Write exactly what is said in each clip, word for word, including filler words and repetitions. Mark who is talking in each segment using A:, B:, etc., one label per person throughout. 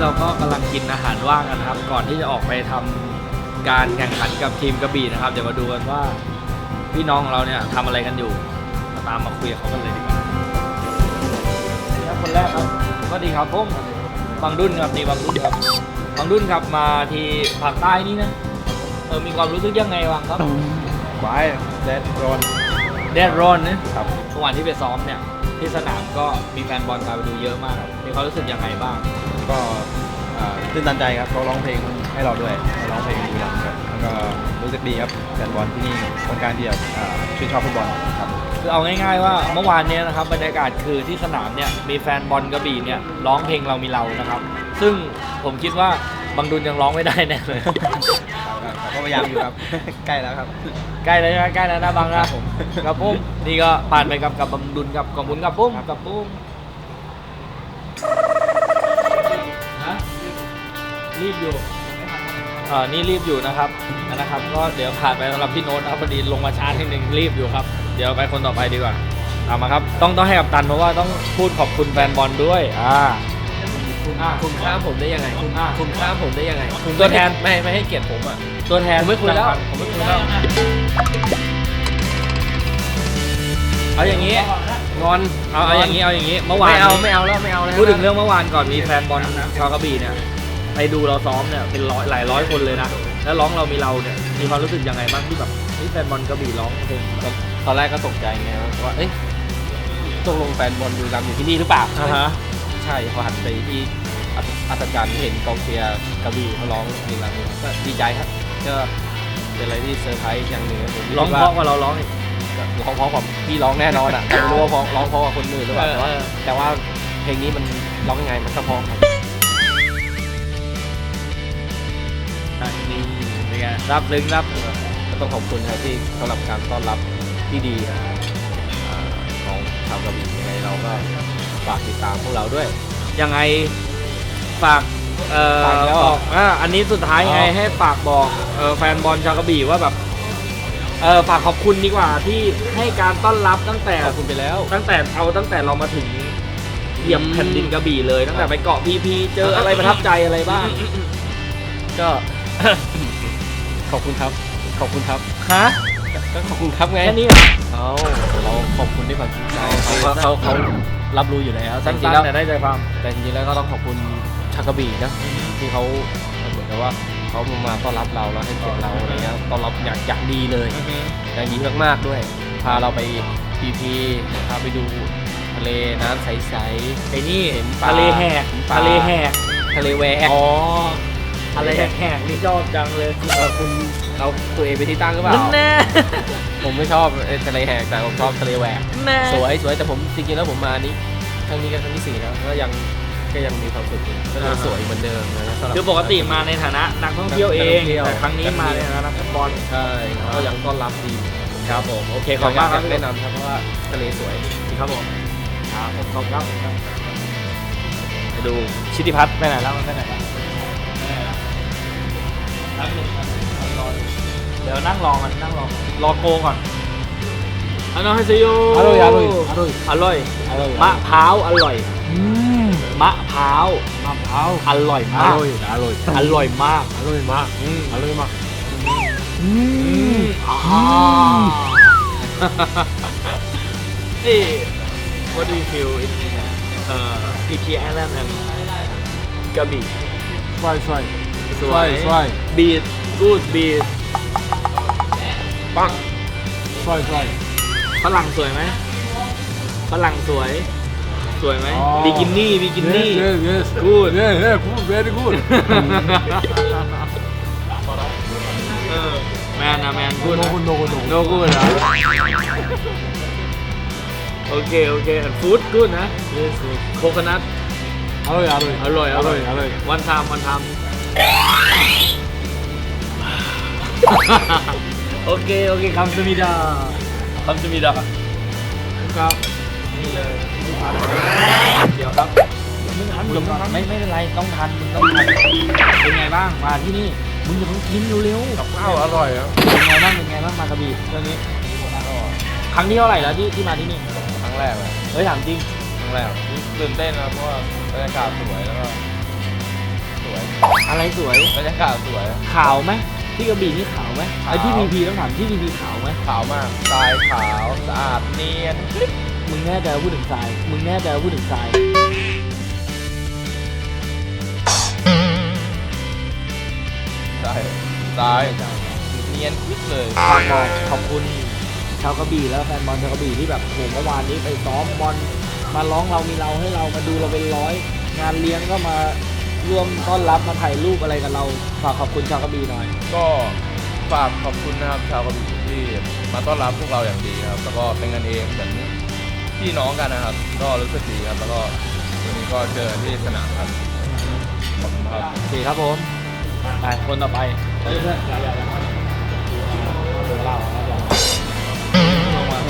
A: เราก็กำลังกินอาหารว่างกันครับก่อนที่จะออกไปทำการแข่งขันกับทีมกระบี่นะครับเดี๋ยวมาดูกันว่าพี่น้องของเราเนี่ยทำอะไรกันอยู่มาตามมาคุยกับเขากันเลยดีกว่านี่ครับคนแรกครับสวัสดีครับผมบางดุนครับนี่บางดุนครับบางดุนครับมาที่ภาคใต้นี่นะเออมีความรู้สึกยังไงบ้างครับ
B: ไว้แดดร้อน
A: แดดร้อนนะครับเมื่อวานที่ไปซ้อมเนี่ยที่สนามก็มีแฟนบอลตามไปดูเยอะมากมีความรู้สึกยังไงบ้าง
B: ก็ตื่นตันใจครับเขาร้องเพลงให้เราด้วยร้องเพลงดีครับแล้วก็รู้สึกดีครับแฟนบอลที่นี่คนกลางที่แบบชื่นชอบฟุตบอลครับ
A: คือเอาง่ายๆว่าเมื่อวานนี้นะครับบรรยากาศคือที่สนามเนี่ยมีแฟนบอลกระบี่เนี่ยร้องเพลงเรามีเรานะครับซึ่งผมคิดว่าบางดุลยังร้องไม่ได้แน่เลย
B: ก็พยายามอยู่ครับใกล้แล้วครับ
A: ใกล้แล้วใช่ไหมใกล้แล้วนะบางนะกับปุ้มนี่ก็ผ่านไปกับกับบางดุลกับกับมุนกับปุ้มกับปุ้มรีบอยู่อ่านี่รีบอยู่นะครับนะครับก็เดี๋ยวผ่านไปสำหรับพี่โน้ตนะครับพอดีลงมาช้าทีนึงรีบอยู่ครับเดี๋ยวไปคนต่อไปดีกว่าเอามาครับต้องต้องให้กับตันเพราะว่าต้องพูดขอบคุณแฟนบอลด้วยอ่า
C: คุณข้ามผมได้ยังไงคุณข้ามผมได้ยังไง
A: ตัวแทน
C: ไม่ไม่ให้เกียรติผมอ่ะ
A: ตัวแทน
C: ผมไม่คุยแล้วผมไม่คุยแล้ว
A: เอาอย่างนี้
C: งอน
A: เอาเอาอย่างนี้เอาอย่างนี้เมื่อวาน
C: ไม่เอาไม่เอาแล้วไม่เอาแล้ว
A: พูดถึงเรื่องเมื่อวานก่อนมีแฟนบอลชาวกระบี่เนี่ยไปดูเราซ้อมเนี่ยเป็นร้อยหลายร้อยคนเลยนะแล้วร้องเรามีเราเนี่ยมีความรู้สึกยังไงบ้างที่แบบนี่แฟนบอลกระบี่ร้องเพลง
C: ตอนแรกก็ตกใจไงว่าเอ้ยตกลงแฟนบอลดูรำอยู่ที่นี่หรือเปล่า
A: อ่าฮะ
C: ใช่พอหันไปที่อัศจรรย์เห็นกองเชียร์กระบี่เขาร้องเพลงรำก็ดีใจครับก็เป็นอะไรที่เซอร์ไพรส์อย่างหนึ่ง
A: ร้องเพราะกว่าเราร้องอีก
C: ร้องเพราะกว่าพี่ร้องแน่นอนอ่ะไม่รู้ว่าร้องเพราะกว่าคนอื่นหรือเปล่าแต่ว่าแต่ว่าเพลงนี้มันร้องยังไงมันก็เพราะครับ
A: นี่เป็นไงรับลึงรับ
C: ก็ต้องขอบคุณครับที่สำหรับการต้อนรับที่ดีของชาวกระบี่ยังไงเราก็ฝากติดตามพวกเราด้วย
A: ยังไงฝากเอ่อบอกอ่าอันนี้สุดท้ายไงให้ฝากบอกเอ่อแฟนบอลชาวกระบี่ว่าแบบเออฝากขอบคุณดีกว่าที่ให้การต้อนรับตั้งแต่
C: ขอบคุณไปแล้ว
A: ตั้งแต่เอาตั้งแต่เรามาถึงเหยียบแผ่นดินกระบี่เลยตั้งแต่ไปเกาะพีพีเจออะไรประทับใจอะไรบ้าง
C: ก็ขอบคุณครับขอบคุณครับ
A: ฮะ
C: ก็ขอบคุณครับไง
A: แค่นี้เหรอ
C: เขาเราขอบคุณด้วยความจริงใจเขาเขาเขารับรู้อยู่แล้ว
A: สั้นๆแต่ได้ใจความ
C: แต่จริงๆแล้วก็ต้องขอบคุณชาวกระบี่นะที่เขาเหมือนกับว่าเขามาต้อนรับเราแล้วให้เกียรติเราอะไรเงี้ยต้อนรับอย่างอย่างดีเลยอย่างดีมากๆด้วยพาเราไปพีพีพาไปดูทะเลน้ำใสๆ
A: ไอ้นี่
C: เห็น
A: ทะเลแหกทะเลแหก
C: ทะเลแหวก
A: อ๋อทะเลแหกนี่ชอบจังเลย
C: คุณเราตัวเองไปที่ตั้งหรือเปล่า
A: แน่
C: ผมไม่ชอบทะเลแหกแต่ผมชอบทะเลแหวกสวยสวยแต่ผมจริงๆแล้วผมมานี้ครั้งนี้ก็ครั้งที่สี่แล้วก็ยังก็ยังมีความสุขก็ยังสวยเหมือนเดิมนะ
A: คือปกติมาในฐานะนักท่องเที่ยวเองแต่ครั้งนี้มาในฐานะนักฟุตบอล
C: ใช่ก็ยังต้อนรับดี
A: ครับผมโอเคขอบคุณมากครับ
C: แนะนำครับเพราะว่าทะเลสวย
A: ครับผมครับผมขอบคุณครับไปดูชิติพัฒน์ไปไหนแล้วมันไปไหนแล้วเดี๋ยวนั่งรอกันนั่งรอรอโกก่อนอันนั้นให้ซิโย
C: อร่อยอร่อยอร่อย
A: อร่อยมะพร้าวอร่อยมะพร้าว
C: มะพร้าว
A: อร่อยมาก
C: อร่อยอร่อย
A: อร่อยมาก
C: อร่อยมากอร่อยมาก
A: อืมอ่าเฮ้ What do you feel in uh P P Island and Krabi
C: สวยสวยสวยสวย
A: beat good beat
C: ปังสวยสวย
A: ฝรั่งสวยไหมฝรั่งสวยสวยไหมบิกินี่บิกินี่
C: yes yes
A: good
C: yeah yeah good very good
A: เออแมนนะแมน
C: good no good no good
A: no good เหรอโอเคโอเค food good นะ
C: yes
A: โคโคนัท
C: อร่อยอร่อย
A: อร่อยอร่อย
C: อร่อย
A: วันทำวันทำโอเคโอเคคำสมิดาคำสมิดาครับนี่เลยเดี๋ยวครับไม่ทันไม่ไม่เป็นไรต้องทันต้องทันเป็นไงบ้างมาที่นี่มึงอย่าเพิ่งกินเร็วๆ
C: กับข้าวอร่อยครับ
A: เป็นไงบ้างเป็นไงบ้างมากระบี่เรื่องนี้ครั้งที่เท่าไหร่แล้วที่ที่มาที่นี่
C: ครั้งแรกเลย
A: เฮ้ยถามจริง
C: ครั้งแรกตื่นเต้นนะเพราะว่าบรรยากาศสวยแล้วก็
A: อะไรสวย
C: บรรยากาศสวย
A: ขาวไหมที่กระบี่นี่ขาวไหมไอ้ที่พีพีต้องถามที่พีพีขาวไหม
C: ขาวมากทรายขาวสะอาดเนียน
A: มึงแน่ใจว่าพูดถึงทรายมึงแน่ใจว่าพูดถึงทราย
C: ทรายทรายเนียนคลิกเลย
A: ฝากบอกขอบคุณชาวกระบี่แล้วแฟนบอลชาวกระบี่ที่แบบโหเมื่อวานนี้ไปซ้อมบอลมาร้องเรามีเราให้เรามาดูเราเป็นร้อยงานเลี้ยงก็มาร่วมต้อนรับมาถ่ายรูปอะไรกับเราฝากขอบคุณชาวกระบี่หน่อย
C: ก็ฝากขอบคุณนะครับชาวกระบี่ที่มาต้อนรับพวกเราอย่างดีครับแล้วก็เป็นกันเองเหมือนพี่น้องกันนะครับ ก็รู้สึกดีครับแล้วก็วันนี้ก็เจอที่สนามครับขอบคุณครับ
A: โอเคครับผมไปคนต่อไปเฮ้ยเพื่อนอย่าอย่าอย่าเดี๋ยวเล่าครับอย่าลงมา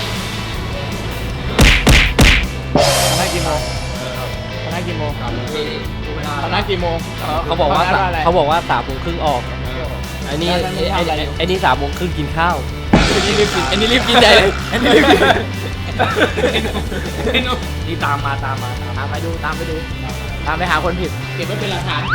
A: คณะกี่โมงคณะกี่โมงคณะกี่โมง
C: เขาบอกว่า
A: คณะอะไร
C: เขาบอกว่าสามโมงครึ่งออกไอ้นี่
A: แล้วนี่
C: ไอ้
A: ทำอะไรอยู่
C: ไอ้นี่สามโมงครึ่งกินข้าวไอ้นี่รีบกินไอ้นี่รีบกินใหญ่เลยไอ้นี่รีบกิน
A: นี่ตามมาตามมาตาม
C: ตามไปดูตามไปดู ตามไปหาคนผิด
A: เก็บไว้เป็นหลักฐาน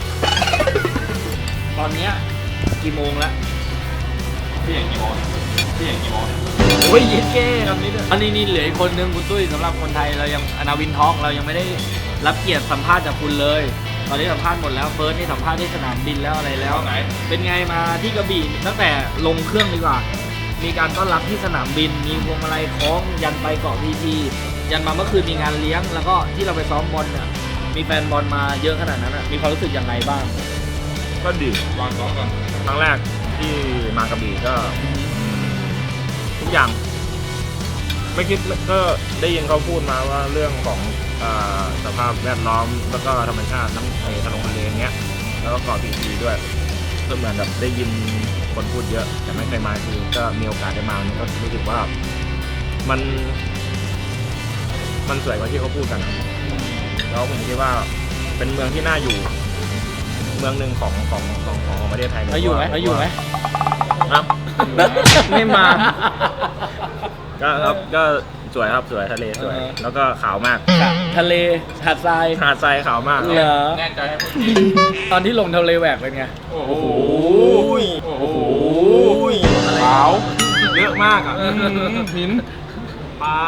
A: ตอนเนี้ยกี่โมงแล้ว
B: พี่อย่างกี่โมงพี่อย่างกี่โมง
A: โอ้ยเย็นเก้คำนี้ด้วยอันนี้นี่เหลืออีกคนนึงคุณตุ้ยสำหรับคนไทยเรายังอนาวินทอกเรายังไม่ได้รับเกียรติสัมภาษณ์จากคุณเลย ตอนนี้สัมภาษณ์หมดแล้วเฟิร์สนี่สัมภาษณ์ที่สนามบินแล้วอะไรแล้ว
B: ไหน
A: เป็นไงมาที่กระบี่ตั้งแต่ลงเครื่องดีกว่า มีการต้อนรับที่สนามบิน มีพวงมาลัยคล้องยันไปเกาะพีพียันมาเมื่อคืนมีงานเลี้ยง แล้วก็ที่เราไปซ้อมบอลเนี่ยมีแฟนบอลมาเยอะขนาดนั้นอะมีความรู้สึกยังไงบ้าง
D: ก็ดีวางก่อนก่อนครั้งแรกที่มากระบี่ก็ทุกอย่าง ไม่คิดก็ได้ยินเขาพูดมาว่าเรื่องของอาสภาพแวดล้อมแล้วก็ธรรมชาติน้ำไอ้ทะเลทะเลอย่างเงี้ยแล้วก็เกาะพีพีด้วยก็เหมือนแบบได้ยินคนพูดเยอะ แต่ไม่เคยมาคือก็มีโอกาสได้มานี่ก็รู้สึกว่ามัน มันสวยกว่าที่เขาพูดกันอะแล้วผมคิดว่าเป็นเมืองที่น่าอยู่ เมืองหนึ่งของของของของประเทศไทยเลย
A: เขาอยู่ไหม
D: ว่
A: เขาอยู่ไหม
D: ครับ
A: ไม่มา
D: ก็ครับก็สวยครับสวยทะเลสวย
A: เออ
D: แล้วก็ขาวมาก
A: ทะเลหาดทราย
D: หาดทรายขาวมาก
A: เหรอ
C: แน่ใจให้คน
A: ตอนที่ลงทะเลแหวกเป็นไง
D: โอ้โหโอ้โหขาว เยอะมากอ่ะหินปลา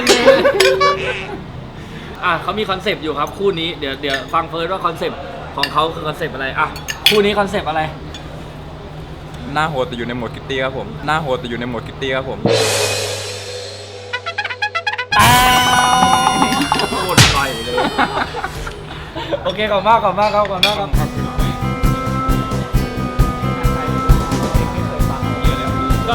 A: อ่ะเขามีคอนเซปต์อยู่ครับคู่นี้เดี๋ยวเดี๋ยวฟังเฟิร์สว่าคอนเซปต์ของเขาคือคอนเซปต์อะไรอ่ะคู่นี้คอนเซปต์อะไร
B: หน้าโหดแต่อยู่ในโหมดคิตตี้ครับผมหน้าโหดแต่อยู่ในโหมดคิตตี้ครับผม
D: โคตรไฟเลย
A: โอเคขอบคุณมากขอบคุณมากครับขอบคุณมากครับได้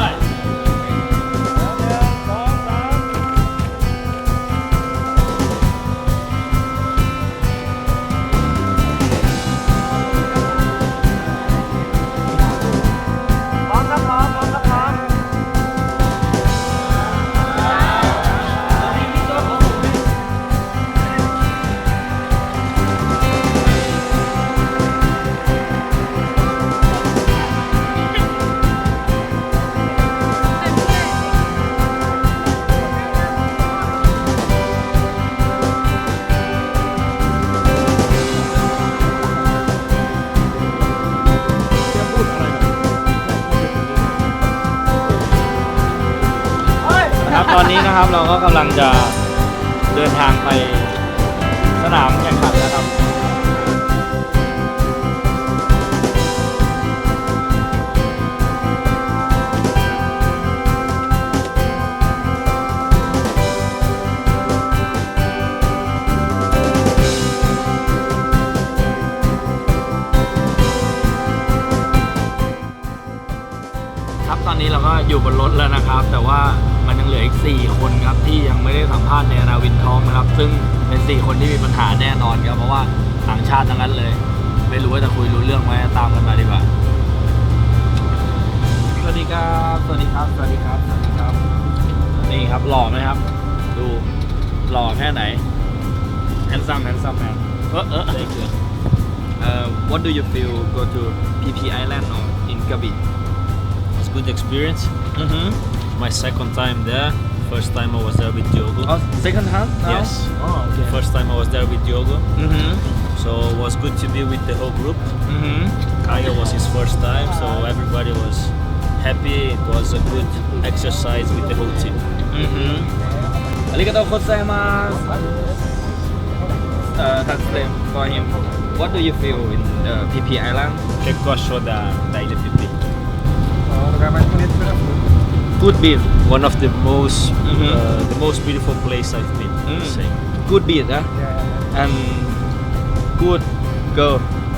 A: พร้อมครับพร้อมพร้อมครับพร้อมครับตอนนี้นะครับเราก็กำลังจะเดินทางไปสนามแข่งขันนะครับครับตอนนี้เราก็อยู่บนรถแล้วนะครับ แต่ว่ามันยังเหลืออีกสี่คนครับที่ยังไม่ได้สัมภาษณ์ในอนาวินทองนะครับ ซึ่งเป็นสี่คนที่มีปัญหาแน่นอนครับเพราะว่าต่างชาติทั้งนั้นเลย ไม่รู้ว่าจะคุยรู้เรื่องไหมตามกันมาดีกว่าสวัสดีครับสวัสดีครับสวัสดีครับสวัสดีครับนี่ครับหล่อไหมครับ ดูหล่อแค่ไหน handsome handsome man เออเออ Very good uh, what do you feel go to พี พี Island or in Krabi
E: It's a good experience.
A: mm-hmm.
E: My second time there. First time I was there with Diogo.
A: oh, second time now?
E: Yes.
A: oh okay
E: First time I was there with Diogo.
A: mm-hmm.
E: So it was good to be with the whole group.
A: อือหือ
E: Kyle was his first time, so everybody was happy. It was a good exercise with the whole team.
A: อือหืออาริกาโตโคไซมาสเอ่อ translate for him what do you feel in the พี พี Island
E: Che cosa da da Ilha Pipi?
A: good beach
E: One of the most
A: Mhm.
E: uh, the most beautiful place I've been.
A: Mm.
E: Say.
A: good beach นะ and good girl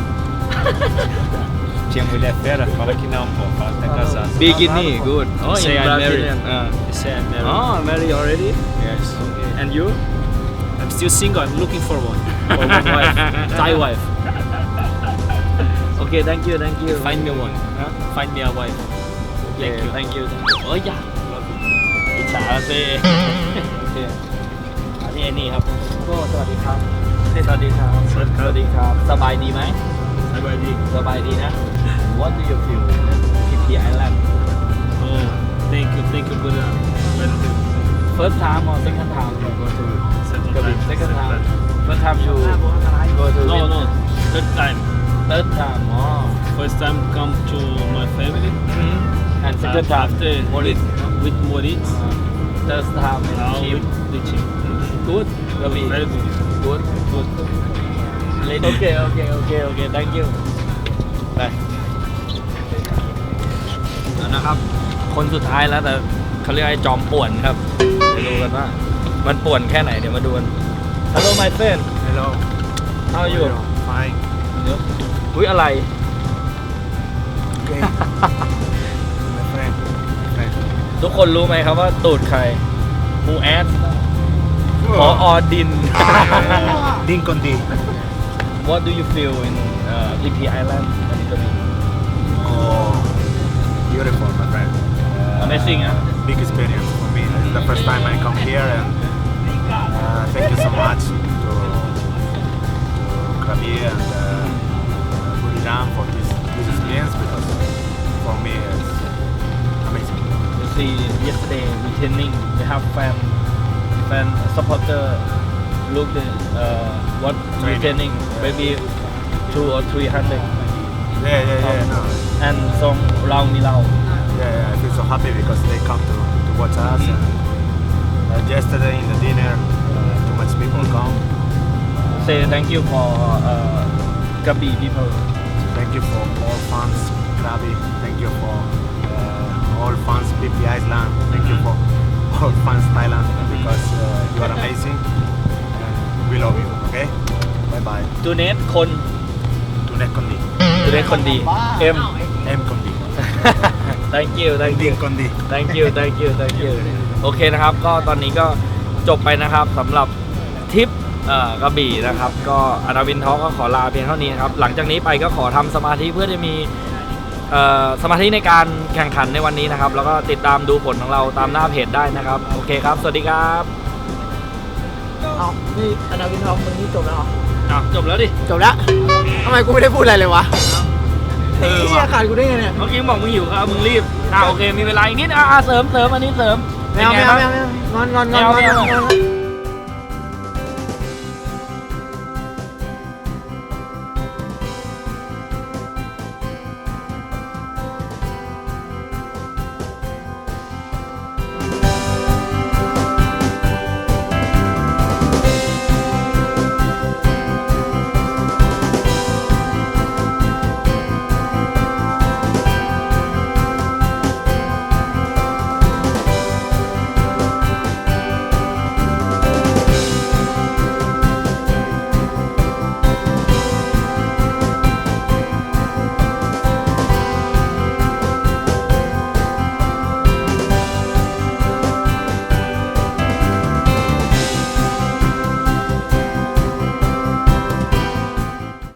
E: Tinha mulher fera? Fala que não, pô. Fala que tá casado.
A: bikini good oh
E: Say
A: in
E: I'm married.
A: Brazilian อ่า
E: You say I'm married.
A: oh married already
E: Yes.
A: and you
E: I'm still single. I'm looking for one. For one wife. Thai wife.
A: okay thank you thank you
E: Find me one.
A: ฮะ
E: Find me a wife.
A: thank you thank you โอ้ยอย่าอิจฉาสิโอเคอันนี้ไอ้นี่ครับก็สวัสดีครับสวัสดีครับ
E: สวัสดีครับ
A: สวัสดีครับ สบายดีไหม
E: Everybody.
A: สบายดีนะ What do you feel พี พี Island
E: Oh, thank you. Thank you for the welcome.
A: first time or second time you go to
E: Second
A: Krabi
E: time.
A: second time first time you go to
E: No, no. Third time.
A: third time oh
E: First time come to my family.
A: and second time
E: After
A: Moritz
E: with, with Moritz.
A: third time in
E: Now
A: team
E: with the team.
A: good Krabi
E: Very good.
A: good goodโอเคโอเคโอเคโอเค thank you ไปเอานะครับ คนสุดท้ายแล้วแต่เขาเรียกไอ้จอมป่วนครับไปดูกันว่ามันป่วนแค่ไหนเดี๋ยวมาดูกัน Hello my friend
B: Hello
A: how are you
B: fine
A: อุ้ยอะไร
B: okay my friend my friend
A: ทุกคนรู้ไหมครับว่าตูดใครมูแอดขออดิน
B: Din con D
A: What do you feel in uh, พี พี Island and Krabi
B: oh beautiful my friend
A: Amazing อ่ะ
B: big experience for me. It's the first time I come here, and uh, thank you so much to, to Krabi and uh, Buriram for this, this experience, because for me it's amazing.
A: You see yesterday we training we have fan fan supporter look the uh, what we
B: Training.
A: training maybe two or three hundred
B: Yeah, yeah, yeah. No,
A: and song Rao Mi Lao
B: yeah, yeah, I feel so happy because they come to, to watch us.
A: Mhm.
B: And, uh, yesterday in the dinner, uh, too much people come.
A: say thank you for uh, Krabi people
B: Thank you for all fans Krabi. Thank you for uh, all fans P P Island. Thank you for all fans Thailand, because uh, you are amazing and we love you. Okay. Bye bye.
A: ตูเนสคน
B: Tunet Kondi.
A: ตูเนสคนดีเอ็ม
B: M Kondi.
A: thank you thank you
B: Din Kondi.
A: thank you thank you thank you โอเคนะครับก็ตอนนี้ก็จบไปนะครับสำหรับทริปเอ่อกระบี่นะครับก็อนาวินทอก็ขอลาเพียงเท่านี้นะครับหลังจากนี้ไปก็ขอทำสมาธิเพื่อจะมีเอ่อสมาธิในการแข่งขันในวันนี้นะครับแล้วก็ติดตามดูผลของเราตามหน้าเพจได้นะครับโอเคครับสวัสดีครับ
F: เอานี่อนาวินทองมึงนี่จบแล้วเหรอ
A: อ้าวจบแล้วดิ
F: จบแล้วทำไมกูไม่ได้พูดอะไรเลยวะ
A: เออ
F: เฮีย
A: ว่ะ
F: ขาดกูได้ไงเนี่ย
A: เมื่อกี้บอกมึงหิวครับมึงรีบอ่าโอเคมีเวลาอีกนิดอ่าเสริมเสริมอันนี้เสริม
F: ไม่เอา
A: ป็น
F: ไม่
A: ไง
F: เอา
A: บ้าง
F: ไม่เอางอนงอนงอนงอน
A: ไม่เอา
F: งอน